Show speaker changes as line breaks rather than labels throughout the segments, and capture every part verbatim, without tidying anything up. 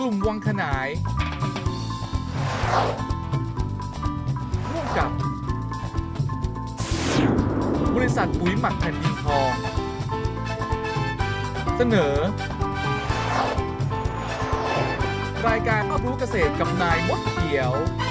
ลุ่มวังขนายร่วมกับบริษัทปุ๋ยหมักแผ่นดินทองเสนอรายการรอบรู้เกษตรกับนายมดเขียว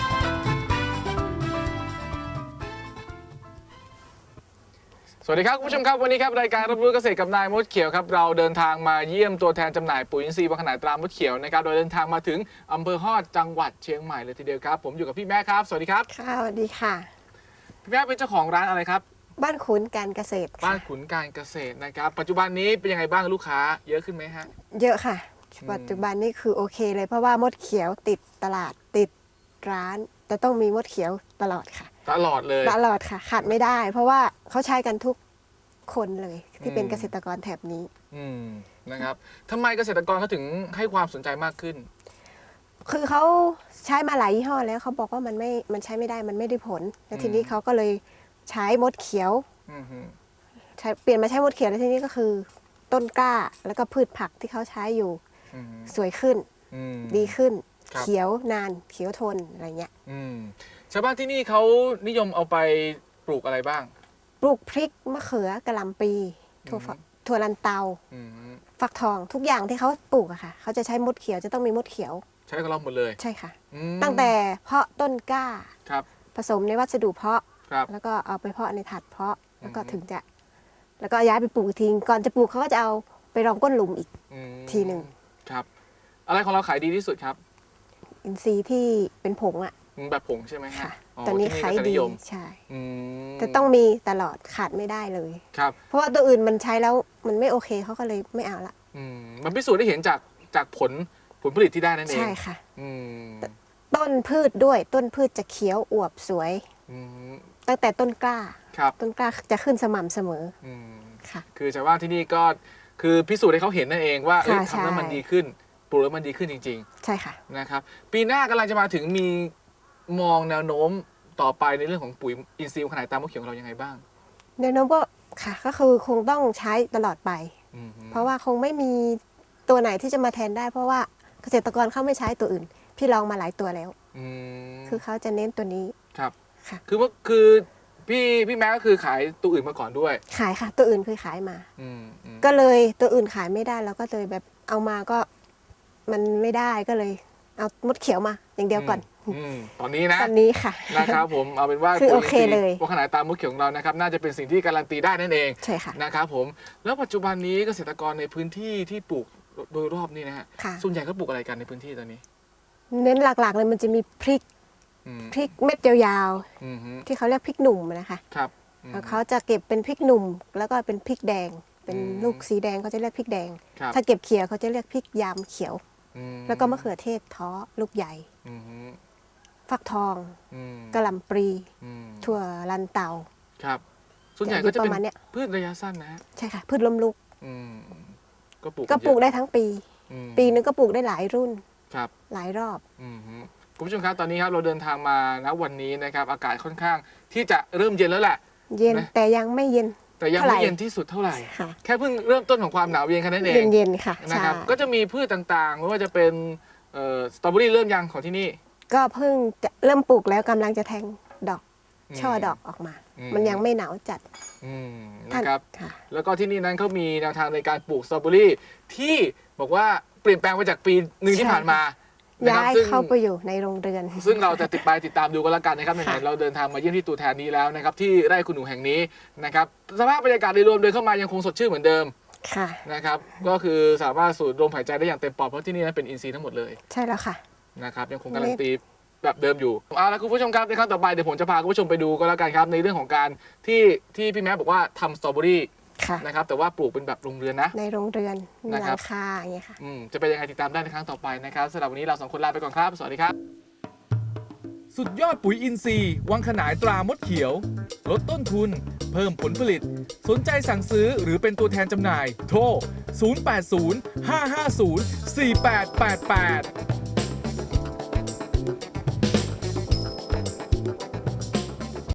สวัสดีครับคุณผู้ชมครับวันนี้ครับรายการรับรู้เกษตรกับนายมดเขียวครับเราเดินทางมาเยี่ยมตัวแทนจำหน่ายปุ๋ยอินทรีย์วังขนายตรามดเขียวนะครับโดยเดินทางมาถึงอำเภอฮอดจังหวัดเชียงใหม่เลยทีเดียวครับผมอยู่กับพี่แม่ครับสวัสดีครับ
ค่ะสวัสดีค่ะ
พี่แม่เป็นเจ้าของร้านอะไรครับ
บ้านขุนการเกษตร
บ้านขุนการเกษตรนะครับปัจจุบันนี้เป็นยังไงบ้างลูกค้าเยอะขึ้นไหมฮะ
เยอะค่ะปัจจุบันนี้คือโอเคเลยเพราะว่ามดเขียวติดตลาดติดร้านจะต้องมีมดเขียวตลอดค่ะ
ตลอดเลย
ตลอดค่ะขาดไม่ได้เพราะว่าเขาใช้กันทุกคนเลยที่เป็นเกษตรกรแถบนี้
อืมนะครับทำไมเกษตรกรเขาถึงให้ความสนใจมากขึ้น
คือเขาใช้มาหลายยี่ห้อแล้วเขาบอกว่ามันไม่มันใช้ไม่ได้มันไม่ได้ผลแล้วทีนี้เขาก็เลยใช้มดเขียวใช้เปลี่ยนมาใช้มดเขียวแล้วทีนี้ก็คือต้นกล้าแล้วก็พืชผักที่เขาใช้อยู่สวยขึ้นดีขึ้นเขียวนานเขียวทนอะไรเงี้ย
ชาวบ้านที่นี่เขานิยมเอาไปปลูกอะไรบ้าง
ปลูกพริกมะเขือกะหล่ำปีถั่วถั่วลันเตาฟักทองทุกอย่างที่เขาปลูกอะค่ะเขาจะใช้มดเขียวจะต้องมีมดเขียว
ใช้กับเราหมดเลย
ใช่ค่ะตั้งแต่เพาะต้นกล้าผสมในวัสดุเพาะแล้วก็เอาไปเพาะในถาดเพาะแล้วก็ถึงจะแล้วก็ย้ายไปปลูกทิ้งก่อนจะปลูกเขาก็จะเอาไปรองก้นหลุมอีกทีหนึ่ง
ครับอะไรของเราขายดีที่สุดครับ
อินทรีย์ที่เป็นผงอะ
แบบผงใช่ไหม
ค่ะตอนนี้ขายดีใช่แต่ต้องมีตลอดขาดไม่ได้เลย
ครับ
เพราะว่าตัวอื่นมันใช้แล้วมันไม่โอเคเขาก็เลยไม่เอาละ
มันพิสูจน์ได้เห็นจากจากผลผลผลิตที่ได้นั่นเอง
ใช่ค่ะต้นพืชด้วยต้นพืชจะเขียวอวบสวยตั้งแต่ต้นกล้าต้นกล้าจะขึ้นสม่ำเสมอค่ะ
คือชาวบ้านที่นี่ก็คือพิสูจน์ให้เขาเห็นนั่นเองว่าทำแล้วมันดีขึ้นปลูกแล้วมันดีขึ้นจริง
ๆใช่ค่ะ
นะครับปีหน้ากำลังจะมาถึงมีมองแนวโน้มต่อไปในเรื่องของปุ๋ยอินทรีย์วังขนายตรามดเขียวของเรายังไงบ้าง
แนวโน้มก็ค่ะก็คือคงต้องใช้ตลอดไปเพราะว่าคงไม่มีตัวไหนที่จะมาแทนได้เพราะว่าเกษตรกรเขาไม่ใช้ตัวอื่นพี่ลองมาหลายตัวแล้วคือเขาจะเน้นตัวนี้
ครับค่ะคือว่าคือพี่พี่แม่ก็คือขายตัวอื่นมาก่อนด้วย
ขายค่ะตัวอื่นเคยขายมาก็เลยตัวอื่นขายไม่ได้แล้วก็เลยแบบเอามาก็มันไม่ได้ก็เลยเอามดเขียวมาอย่างเดียวก่อน
ตอนนี้นะ
ตอนนี้ค่ะ
นะครับผมเอาเป็นว่า
คือโอเคเลย
วังขนายตรามดเขียวของเรานะครับน่าจะเป็นสิ่งที่การันตีได้นั่นเอง
ใช่ค่ะ
นะครับผมแล้วปัจจุบันนี้เกษตรกรในพื้นที่ที่ปลูกโดยรอบนี้นะฮะส่วนใหญ่ก็ปลูกอะไรกันในพื้นที่ตอนนี้
เน้นหลักๆเลยมันจะมีพริกพริกเม็ดยาวๆที่เขาเรียกพริกหนุ่มนะคะ
ครับ
เขาจะเก็บเป็นพริกหนุ่มแล้วก็เป็นพริกแดงเป็นลูกสีแดงเขาจะเรียกพริกแดงถ้าเก็บเขียวเขาจะเรียกพริกยามเขียวแล้วก็มะเขือเทศท้อลูกใหญ่ฟักทองกะหล่ำปลีถั่วลันเตา
ครับส่วนใหญ่ก็จะเป็นพืชระยะสั้นนะ
ใช่ค่ะพืชล้มลุก
ก็ปลูก
ก็ปลูกได้ทั้งปีปีนึงก็ปลูกได้หลายรุ่น
ครับ
หลายรอบ
คุณผู้ชมครับตอนนี้ครับเราเดินทางมาณวันนี้นะครับอากาศค่อนข้างที่จะเริ่มเย็นแล้วแหละ
เย็นแต่ยังไม่เย็น
แต่ยังไม่เย็นที่สุดเท่าไหร่แค่เพิ่งเริ่มต้นของความหนาวเย็นแค่นั้นเอง
เย็นๆค่ะ
นะครับก็จะมีพืชต่างๆไม่ว่าจะเป็นสตรอเบอรี่เริ่มยังของที่นี่
ก็เพิ่งจะเริ่มปลูกแล้วกำลังจะแทงดอกช่อดอกออกมามันยังไม่หนาวจัด
นะครับแล้วก็ที่นี่นั้นเขามีแนวทางในการปลูกสตรอเบอรี่ที่บอกว่าเปลี่ยนแปลงไปจากปีหนึ่งที่ผ่านมา
ย้ายเข้าไปอยู่ในโรงเรือน
ซึ่งเราจะติดไปติดตามดูกันแล้วกันนะครับไหนๆเราเดินทางมาเยี่ยมที่ตัวแทนนี้แล้วนะครับที่ไร่คุณหนูแห่งนี้นะครับสภาพบรรยากาศโดยรวมโดยเข้ามายังคงสดชื่นเหมือนเดิมนะครับก็คือสามารถสูดลมหายใจได้อย่างเต็มปอดเพราะที่นี่นั้นเป็นอินทรีย์ทั้งหมดเลย
ใช่แล้วค่ะ
นะครับยังคงการันตีแบบเดิมอยู่เอาละคุณผู้ชมครับในครั้งต่อไปเดี๋ยวผมจะพาคุณผู้ชมไปดูก็แล้วกันครับในเรื่องของการที่ที่พี่แม่บอกว่าทำสตรอเบอรี่นะครับแต่ว่าปลูกเป็นแบบโรงเรือนนะ
ในโรงเรือนมีหลังคาอย่างเงี้ยค่ะ
จะเป็นยังไงติดตามได้ในครั้งต่อไปนะครับสำหรับวันนี้เราสองคนลาไปก่อนครับสวัสดีครับสุดยอดปุ๋ยอินทรีย์วังขนายตรามดเขียวลดต้นทุนเพิ่มผลผลิตสนใจสั่งซื้อหรือเป็นตัวแทนจำหน่ายโทรศูนย์ แปด ศูนย์ ห้า ห้า ศูนย์ สี่ แปด แปด แปด